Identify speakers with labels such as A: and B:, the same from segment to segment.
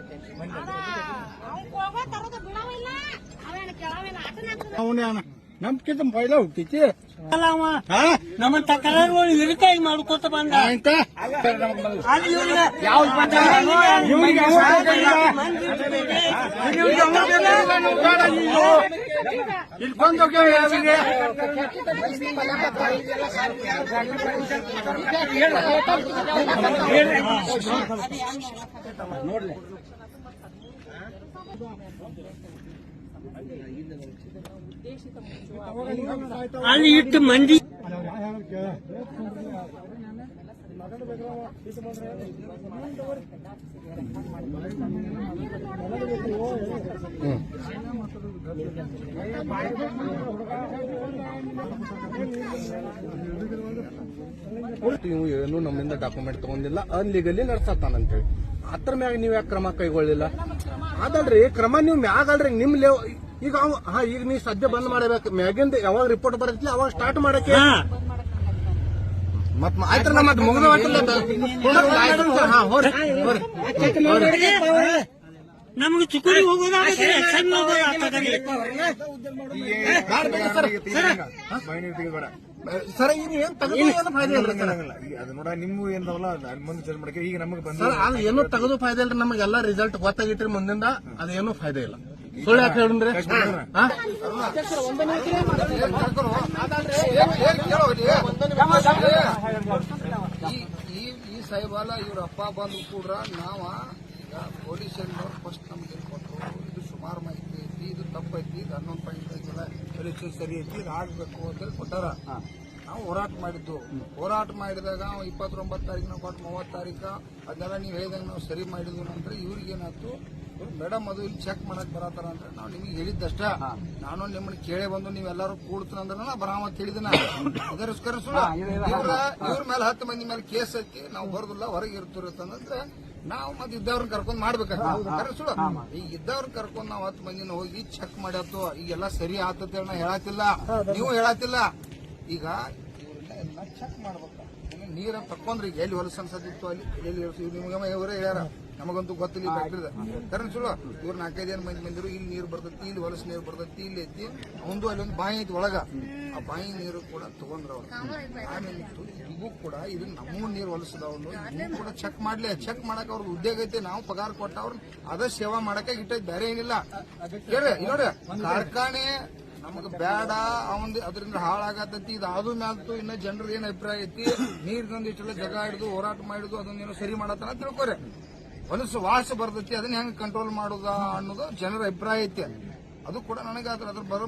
A: ನಮ್ಕಿಂತ ಪೈಲ ಹುಟ್ಟೈತಿ
B: ನಮ್ಮ ತಕರಾರುಗಳು ಇರಿತಾಗಿ ಮಾಡ್ಕೊತ ಬಂದ
A: ಇಲ್ಲಿ ಬಂದು ನೋಡ್ಲಿ
B: ಅಲ್ಲಿ ಇಟ್ಟು ಮಂದಿ
A: ನೀವು ಏನು ನಮ್ಮಿಂದ ಡಾಕ್ಯುಮೆಂಟ್ ತಗೊಂಡಿಲ್ಲ ಅನ್ಲೀಗಲಿ ನಡ್ಸತ್ತಾನಂತೇಳಿ ಅದ್ರ ಮ್ಯಾಗ ನೀವ್ ಯಾಕೆ ಕ್ರಮ ಕೈಗೊಳ್ಳಿಲ್ಲ ಅದಲ್ರಿ ಕ್ರಮ ನೀವು ಮ್ಯಾಗ ಅಲ್ರಿ ನಿಮ್ ಈಗ ಈಗ ನೀವ್ ಸದ್ಯ ಬಂದ್ ಮಾಡಬೇಕು ಮ್ಯಾಗಿಂದ ಯಾವಾಗ ರಿಪೋರ್ಟ್ ಬರತ್ಲಿ ಅವಾಗ ಸ್ಟಾರ್ಟ್ ಮಾಡಕ್ಕೆ ಮತ್ ಆಯ್ತು ಮತ್ತೆ ಮುಗಿದ
B: ನಮ್ಗೆ ಚುಕ್ಕುಡಿ
A: ಸರ್ ಈಗ ಏನ್ ತೆಗೆದು ಫಾಯ್ದೆ ಇಲ್ರಿ
C: ಅದು ನೋಡ ನಿಮ್ಗೂ ಏನಲ್ಲ ಮುಂದೆ ಚೇಂಜ್ ಮಾಡಕ್ಕೆ ಈಗ ನಮಗೆ ಬಂದ
A: ಸರ್ ಅದು ಏನೂ ತೆಗೆದು ಫಾಯ್ದೆ ಇಲ್ರಿ ನಮಗೆಲ್ಲ ರಿಸಲ್ಟ್ ಗೊತ್ತಾಗಿತ್ರಿ ಮುಂದಿಂದ ಅದೇನು ಫಾಯ್ದೆ ಇಲ್ಲ ಸುಳ್ಳು ಯಾಕೆ ಹೇಳ್ರಿ
D: ಈ ಸಾಹೇಬಾಲ ಇವ್ರ ಅಪ್ಪ ಬಂದು ಕೂಡ ನಾವ ಪೊಲೀಸ್ ಫಸ್ಟ್ ನಮ್ಗೆ ಕೊಟ್ಟರು ಇದು ಸುಮಾರು ಮಾಹಿತಿ ಐತಿ ಇದು ತಪ್ಪೈತಿ ಇದು 11.5 ಎಲೆಕ್ಷನ್ ಸರಿ ಐತಿ ಇದು ಆಗ್ಬೇಕು ಅಂತೇಳಿ ಕೊಟ್ಟಾರ ನಾವು ಹೋರಾಟ ಮಾಡಿದ್ದು ಹೋರಾಟ ಮಾಡಿದಾಗ 29 ತಾರೀಕು ನಾವು ಕೊಟ್ಟು 30 ತಾರೀಕು ಅದನ್ನೆಲ್ಲ ನೀವು ಹೇಳಿದಂಗೆ ನಾವು ಸರಿ ಮಾಡಿದ್ವಿ ನಂತರ ಇವ್ರಿಗೇನಾಯ್ತು ಮೇಡಮ್ ಅದು ಇಲ್ಲಿ ಚೆಕ್ ಮಾಡಕ್ ಬರತ್ತಾರ ಅಂದ್ರೆ ನಾವು ನಿಮ್ಗೆ ಹೇಳಿದ್ದಷ್ಟ ನಾನು ನಿಮ್ಮನ್ನ ಕೇಳೇ ಬಂದು ನೀವೆಲ್ಲರೂ ಕೂಡ್ತೀನಂದ್ರೆ ನಾ ಬರಾಮತ್ ಹೇಳಿದಿನ ಅದಕ್ಕೋಸ್ಕರ ಇವ್ರ ಮೇಲೆ 10 ಮಂದಿ ಮೇಲೆ ಕೇಸ್ ಐತಿ ನಾವು ಬರೋದಿಲ್ಲ ಹೊರಗೆ ಇರ್ತಿರತ್ತಂದ್ರೆ ನಾವು ಮತ್ತೆ ಇದ್ದವ್ರನ್ನ ಕರ್ಕೊಂಡ್ ಮಾಡ್ಬೇಕಾಗ್ತದೆ ಸುಳ್ಳು ಈಗ ಇದ್ದವ್ರನ್ನ ಕರ್ಕೊಂಡ್ ನಾವು 10 ಮಂದಿನ ಹೋಗಿ ಚೆಕ್ ಮಾಡ್ಯಾತು ಈಗೆಲ್ಲ ಸರಿ ಆತಂತ ನಾ ಹೇಳತ್ತಿಲ್ಲ ನೀವು ಹೇಳತ್ತಿಲ್ಲ ಈಗ ಇವ್ರನ್ನ ಎಲ್ಲ ಚೆಕ್ ಮಾಡ್ಬೇಕು ನೀರ ತಕೊಂಡ್ರಿ ಈಗ ಎಲ್ಲಿ ಹೊಲಸು ಅನ್ಸತ್ತಿತ್ತು ಅಲ್ಲಿ ಎಲ್ಲಿ ನಿಮ್ಗೆ ಇವರೇ ಹೇಳ್ಯಾರ ನಮಗಂತೂ ಗೊತ್ತಿಲ್ಲ ಫ್ಯಾಕ್ಟ್ರಿದ ಕರೆಂಟ್ ಸುಳ್ಳು ಇವ್ರು 4-5 ಮಂದಿ ಬಂದಿರು ಇಲ್ಲಿ ನೀರು ಬರ್ತೈತಿ ಇಲ್ಲಿ ಹೊಲಸು ನೀರು ಬರ್ತೈತಿ ಇಲ್ಲಿ ಐತಿ ಒಂದು ಅಲ್ಲಿ ಒಂದು ಬಾಯಿ ಐತಿ ಒಳಗ ಆ ಬಾಯಿ ನೀರು ಕೂಡ ತಗೊಂಡ್ರ ಅವ್ರು ಆಮೇಲೆ ಇವು ಕೂಡ ಇದು ನಮ್ಮ ನೀರು ಹೊಲಸದವ್ರು ಇವು ಕೂಡ ಚೆಕ್ ಮಾಡ್ಲಿ ಚೆಕ್ ಮಾಡಕ್ ಅವ್ರದ್ದು ಉದ್ಯೋಗ ಐತಿ ನಾವು ಪಗಾರ ಕೊಟ್ಟ ಅವ್ರನ್ನ ಅದ ಸೇವಾ ಮಾಡಕ್ಕೆ ಇಟ್ಟೈತಿ ಬೇರೆ ಏನಿಲ್ಲ ಹೇಳ್ರಿ ನೋಡ್ರಿ ಕಾರ್ಖಾನೆ ನಮಗ್ ಬೇಡ ಅವಂದ್ ಅದರಿಂದ ಹಾಳಾಗತೈತಿ ಇದಾದ ಮ್ಯಾಲ್ತು ಇನ್ನ ಜನರ ಏನ್ ಅಭಿಪ್ರಾಯ ಐತಿ ನೀರಿನೊಂದು ಇಷ್ಟೆಲ್ಲ ಜಗ ಹಿಡಿದು ಹೋರಾಟ ಮಾಡಿದ್ದು ಅದನ್ನೇನೋ ಸರಿ ಮಾಡತ್ತಾನ ತಿಳ್ಕೊರಿ ಹೊಲಸು ವಾಸ ಬರ್ತೈತಿ ಅದನ್ನ ಹೆಂಗ್ ಕಂಟ್ರೋಲ್ ಮಾಡುದ ಅನ್ನೋದು ಜನರ ಅಭಿಪ್ರಾಯ ಐತಿ ಅದು ಕೂಡ ನನಗೆ ಅದ್ರ ಬರೋ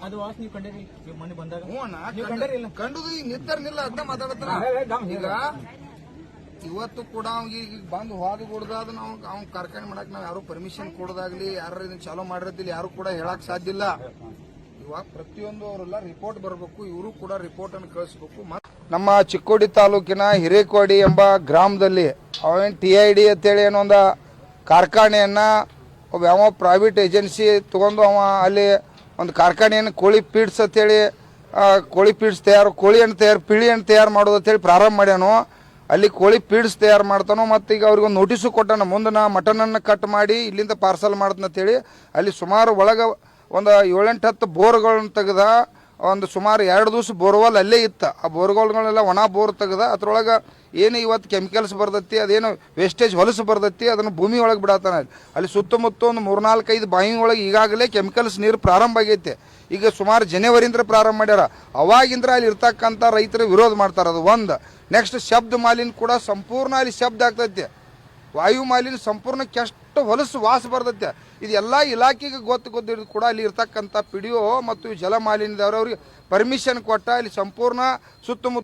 D: ಕಂಡುದು ಈಗ ನಿರ್ಧಾರನಿಲ್ಲ ಅದನ್ನ ಮಾತಾಡತ್ತಾನ ಈಗ ಇವತ್ತು ಕೂಡ ಅವ್ನಿಗೆ ಬಂದು ಹೋದ ಕೊಡದಾದ ನಾವು ಅವ್ನ ಕಾರ್ಖಾನೆ ಮಾಡಕ್ ನಾವ್ ಯಾರು ಪರ್ಮಿಷನ್ ಕೊಡೋದಾಗ್ಲಿ ಯಾರು ಇದನ್ನ ಚಾಲೂ ಮಾಡಿರತ್ತಿಲ್ಲ ಯಾರು ಕೂಡ ಹೇಳಕ್ ಸಾಧ್ಯ ಇಲ್ಲ ಇವಾಗ ಪ್ರತಿಯೊಂದು ಅವರೆಲ್ಲ ರಿಪೋರ್ಟ್ ಬರಬೇಕು ಇವರು ಕೂಡ ರಿಪೋರ್ಟ್ ಅನ್ನು ಕಳಿಸಬೇಕು ನಮ್ಮ ಚಿಕ್ಕೋಡಿ ತಾಲೂಕಿನ ಹಿರೇಕೋಡಿ ಎಂಬ ಗ್ರಾಮದಲ್ಲಿ ಅವೇನು TID ಅಂತೇಳಿ ಏನೋ ಒಂದು ಕಾರ್ಖಾನೆಯನ್ನ ಒಬ್ಬ ಯಾವ ಪ್ರೈವೇಟ್ ಏಜೆನ್ಸಿ ತಗೊಂಡು ಅವ ಅಲ್ಲಿ ಒಂದು ಕಾರ್ಖಾನೆಯನ್ನು ಕೋಳಿ ಪೀಡ್ಸ್ ಅಂತೇಳಿ ಕೋಳಿ ಪೀಡ್ಸ್ ತಯಾರು ಕೋಳಿ ಹಣ್ಣು ತಯಾರು ಪಿಳಿ ಹಣ್ಣು ತಯಾರು ಮಾಡೋದು ಅಂತೇಳಿ ಪ್ರಾರಂಭ ಮಾಡ್ಯಾನು ಅಲ್ಲಿ ಕೋಳಿ ಪೀಡ್ಸ್ ತಯಾರು ಮಾಡ್ತಾನೋ ಮತ್ತು ಈಗ ಅವ್ರಿಗೆ ಒಂದು ನೋಟಿಸು ಕೊಟ್ಟಾನ ಮುಂದೆ ನಾ ಮಟನನ್ನು ಕಟ್ ಮಾಡಿ ಇಲ್ಲಿಂದ ಪಾರ್ಸಲ್ ಮಾಡ್ತಂತೇಳಿ ಅಲ್ಲಿ ಸುಮಾರು ಒಳಗೆ ಒಂದು 7-8 ಬೋರ್ಗಳನ್ನ ತೆಗೆದ ಒಂದು ಸುಮಾರು 2 ದಿವಸ ಬೋರ್ವೆಲ್ ಅಲ್ಲೇ ಇತ್ತು ಆ ಬೋರ್ಗಳ್ಗಳೆಲ್ಲ ಒಣ ಬೋರ್ ತೆಗೆದ ಅದ್ರೊಳಗೆ ಏನು ಇವತ್ತು ಕೆಮಿಕಲ್ಸ್ ಬರ್ತೈತಿ ಅದೇನು ವೇಸ್ಟೇಜ್ ಹೊಲಸು ಬರ್ತೈತಿ ಅದನ್ನು ಭೂಮಿ ಒಳಗೆ ಬಿಡತ್ತಾನ ಅಲ್ಲಿ ಸುತ್ತಮುತ್ತ ಒಂದು 3-4-5 ಬಾವಿ ಒಳಗೆ ಈಗಾಗಲೇ ಕೆಮಿಕಲ್ಸ್ ನೀರು ಪ್ರಾರಂಭ ಆಗೈತೆ ಈಗ ಸುಮಾರು ಜನವರಿಯಿಂದ ಪ್ರಾರಂಭ ಮಾಡ್ಯಾರ ಅವಾಗಿಂದ್ರ ಅಲ್ಲಿ ಇರ್ತಕ್ಕಂಥ ರೈತರು ವಿರೋಧ ಮಾಡ್ತಾರೆ ಅದು ಒಂದು ನೆಕ್ಸ್ಟ್ ಶಬ್ದ ಮಾಲಿನ್ಯ ಕೂಡ ಸಂಪೂರ್ಣ ಅಲ್ಲಿ ಶಬ್ದ ಆಗ್ತೈತೆ ವಾಯು ಮಾಲಿನ್ಯ ಸಂಪೂರ್ಣ ಕೆಷ್ಟು ಹೊಲಸು ವಾಸ ಬರ್ತೈತೆ ಇದೆಲ್ಲ ಇಲಾಖೆಗೆ ಗೊತ್ತಿದ್ದು ಕೂಡ ಅಲ್ಲಿ ಇರ್ತಕ್ಕಂಥ PDO ಮತ್ತು ಜಲ ಮಾಲಿನ್ಯದವ್ರವ್ರಿಗೆ ಪರ್ಮಿಷನ್ ಕೊಟ್ಟ ಇಲ್ಲಿ ಸಂಪೂರ್ಣ ಸುತ್ತಮುತ್ತ